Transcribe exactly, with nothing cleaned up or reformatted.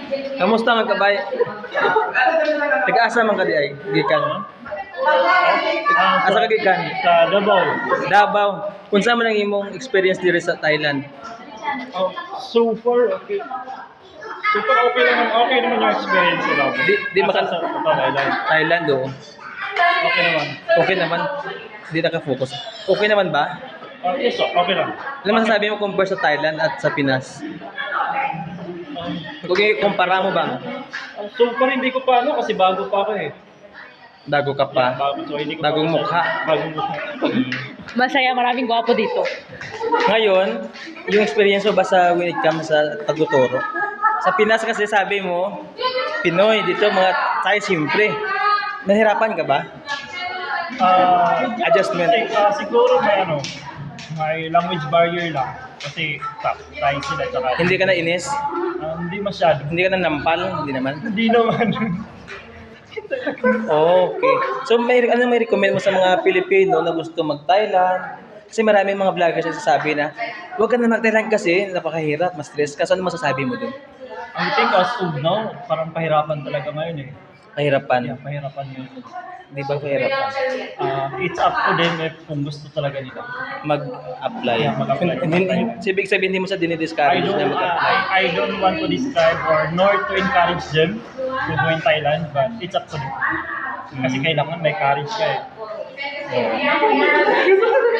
Kamusta man kabay? Taga-asa man ka di ay gikan. Asa ka gikan? Sa Davao. Davao. Unsa man ang imong experience diri sa Thailand? Oh, super okay. Super okay naman. Okay naman yung experience sa Davao. Di di Asa maka sa Thailand. Thailand do. Okay naman. Okay naman. Di naka-focus. Okay naman ba? Uh, yes, oh, okay lang. Ano masasabi mo compare sa Thailand at sa Pinas? Kung i-kumpara mo ba? Uh, super hindi ko pa ano kasi bago pa ako eh. Bago ka pa. Bago, so hindi ko Bagong pa mukha. Bagong mukha. Masaya, maraming gwapo dito. Ngayon, yung experience mo ba sa when it comes sa pagtuturo? Sa Pinas kasi sabi mo, Pinoy, dito mga tayo siyempre. Nahirapan ka ba? Uh, Adjustment. Kasi, uh, siguro may ano, may language barrier lang. Kasi ta- tayo sila tsaka Hindi ka na inis? uh, hindi masyado. Hindi ka na nampal? Hindi naman? Hindi naman. Okay. So may ano may recommend mo sa mga Pilipino na gusto mag-Thailand? Kasi maraming mga vloggers na sasabi na huwag ka na mag-Thailand kasi napakahirap, mas stress ka. So ano masasabi mo dun? Ang think as of now, parang pahirapan talaga ngayon eh. Kahirapan. Yeah, pahirapan yun. Di ba kahirapan? Uh, it's up to them if kung gusto talaga nila. Mag-apply. Yeah, mag-apply. Hindi, ibig sabihin hindi mo sa I dinidiscourage don't, na uh, mag-apply. I, I don't want to describe or nor to encourage them to go in Thailand, but it's up to them. Kasi kailangan may courage ka eh. Oo.